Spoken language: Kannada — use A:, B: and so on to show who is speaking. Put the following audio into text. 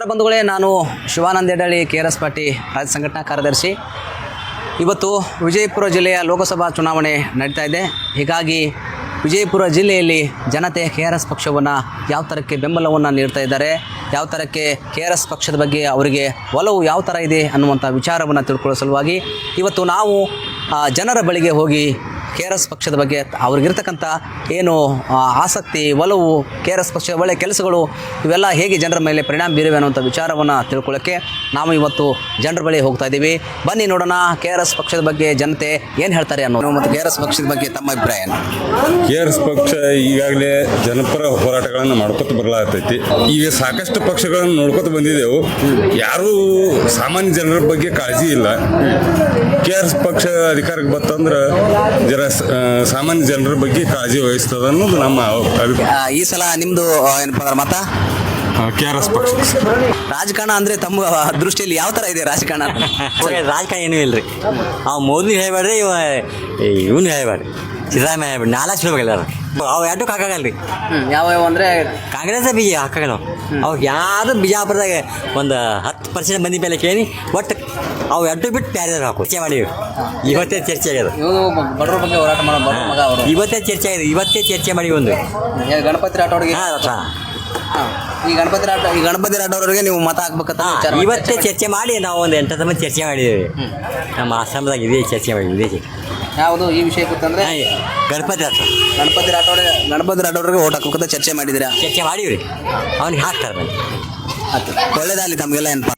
A: ನಮಸ್ಕಾರ ಬಂಧುಗಳೇ, ನಾನು ಶಿವಾನಂದ ಯಡಳ್ಳಿ, KRS ಪಾರ್ಟಿ ರಾಜ್ಯ ಸಂಘಟನಾ ಕಾರ್ಯದರ್ಶಿ. ಇವತ್ತು ವಿಜಯಪುರ ಜಿಲ್ಲೆಯ ಲೋಕಸಭಾ ಚುನಾವಣೆ ನಡೀತಾ ಇದೆ. ಹೀಗಾಗಿ ವಿಜಯಪುರ ಜಿಲ್ಲೆಯಲ್ಲಿ ಜನತೆ KRS ಪಕ್ಷವನ್ನು ಯಾವ ಥರಕ್ಕೆ ಬೆಂಬಲವನ್ನು ನೀಡ್ತಾ ಇದ್ದಾರೆ, ಯಾವ ಥರಕ್ಕೆ KRS ಪಕ್ಷದ ಬಗ್ಗೆ ಅವರಿಗೆ ಒಲವು ಯಾವ ಥರ ಇದೆ ಅನ್ನುವಂಥ ವಿಚಾರವನ್ನು ತಿಳ್ಕೊಳ್ಳೋ ಸಲುವಾಗಿ ಇವತ್ತು ನಾವು ಜನರ ಬಳಿಗೆ ಹೋಗಿ KRS ಪಕ್ಷದ ಬಗ್ಗೆ ಅವ್ರಿಗಿರ್ತಕ್ಕಂಥ ಏನು ಆಸಕ್ತಿ, ಒಲವು, KRS ಪಕ್ಷದ ಒಳ್ಳೆಯ ಕೆಲಸಗಳು ಇವೆಲ್ಲ ಹೇಗೆ ಜನರ ಮೇಲೆ ಪರಿಣಾಮ ಬೀರಿವೆ ಅನ್ನುವಂಥ ವಿಚಾರವನ್ನು ತಿಳ್ಕೊಳ್ಳೋಕ್ಕೆ ನಾವು ಇವತ್ತು ಜನರ ಬಳಿ ಹೋಗ್ತಾ ಇದ್ದೀವಿ. ಬನ್ನಿ ನೋಡೋಣ KRS ಪಕ್ಷದ ಬಗ್ಗೆ ಜನತೆ ಏನು ಹೇಳ್ತಾರೆ ಅನ್ನೋದು ಮತ್ತು KRS ಪಕ್ಷದ ಬಗ್ಗೆ ತಮ್ಮ ಅಭಿಪ್ರಾಯ ಏನು.
B: KRS ಪಕ್ಷ ಈಗಾಗಲೇ ಜನಪರ ಹೋರಾಟಗಳನ್ನು ಮಾಡ್ಕೊತ ಬರಲಾಗ್ತೈತಿ. ಈಗ ಸಾಕಷ್ಟು ಪಕ್ಷಗಳನ್ನು ನೋಡ್ಕೊತ ಬಂದಿದ್ದೆವು. ಯಾರೂ ಸಾಮಾನ್ಯ ಜನರ ಬಗ್ಗೆ ಕಾಳಜಿ ಇಲ್ಲ. KRS ಪಕ್ಷ ಅಧಿಕಾರಕ್ಕೆ ಬರ್ತಂದ್ರೆ ಸಾಮಾನ್ಯ ಜನರ ಬಗ್ಗೆ ಕಾಳಜಿ ವಹಿಸ್ತದ ಅನ್ನೋದು ನಮ್ಮ ಅಭಿಪ್ರಾಯ.
A: ಈ ಸಲ ನಿಮ್ಮದು ಏನಪ್ಪ ಅಂದ್ರೆ ಮತ
B: KRS ಪಕ್ಷ.
A: ರಾಜಕಾರಣ ಅಂದರೆ ತಮ್ಮ ದೃಷ್ಟಿಯಲ್ಲಿ ಯಾವ ಥರ ಇದೆ ರಾಜಕಾರಣ?
C: ರಾಜಕಾರಣ ಏನೂ ಇಲ್ಲ ರೀ. ಅವು ಮೋದಿ ಹೇಳ್ಬೇಡ್ರಿ, ಇವನು ಹೇಳ್ಬೇಡ್ರಿ, ಸಿದ್ದರಾಮಯ್ಯ ಹೇಳ್ಬೇಡಿ, 4 ಹೇಳ್ಬೇಕಲ್ಲ ಅವು ಎರಡು ಹಾಕಾಗಲ್ಲ ರೀ.
A: ಯಾವ ಅಂದರೆ
C: ಕಾಂಗ್ರೆಸ್ ಬಿ ಹಾಕಾಗಲ್ಲ. ಅವಾಗ ಯಾರು ಬಿಜಾಪುರದಾಗ ಒಂದು 10% ಮಂದಿ ಮೇಲೆ ಕೇಳಿ ಒಟ್ಟು ಅವು ಎರಡು ಬಿಟ್ಟು ಬೇರೆ ಹಾಕು ಚರ್ಚೆ ಮಾಡಿವಿ. ಇವತ್ತೇ ಚರ್ಚೆ ಆಗ್ಯದ.
A: ಬಡವ್ರ ಬಗ್ಗೆ ಹೋರಾಟ ಮಾಡೋ ಮಗ ಅವರು
C: ಇವತ್ತೇ ಚರ್ಚೆ ಆಗಿದೆ. ಇವತ್ತೇ ಚರ್ಚೆ ಮಾಡಿ ಒಂದು
A: ಗಣಪತಿ ರಾಠೋಡ್ಗೆ ಈ ಗಣಪತಿ ರಾಠೋಡ್ರಿಗೆ ನೀವು ಮತ ಹಾಕ್ಬೇಕಂತ ವಿಚಾರ ಮಾಡಿ
C: ಇವತ್ತೇ ಚರ್ಚೆ ಮಾಡಿ ನಾವು ಒಂದು 8 ಮಂದಿ ಚರ್ಚೆ ಮಾಡಿದ್ದೇವೆ. ನಮ್ಮ ಆಶ್ರಮದಾಗ ಇದೇ ಚರ್ಚೆ ಮಾಡಿದ್ವಿ. ಇದೇ ಚರ್ಚೆ
A: ಯಾವುದು ಈ ವಿಷಯ ಗೊತ್ತಂದ್ರೆ
C: ಗಣಪತಿ
A: ರಾಠೋಡ್ರಿಗೆ ಓಟ್ ಹಾಕ್ಬೇಕಂತ ಚರ್ಚೆ ಮಾಡಿದ್ದೀರಾ?
C: ಚರ್ಚೆ ಮಾಡೀವಿ ರೀ. ಅವ್ನಿಗೆ ಹಾಕ್ತಾರೆ.
A: ಒಳ್ಳೇದಾಗಲಿ ತಮಗೆಲ್ಲ ಏನಪ್ಪ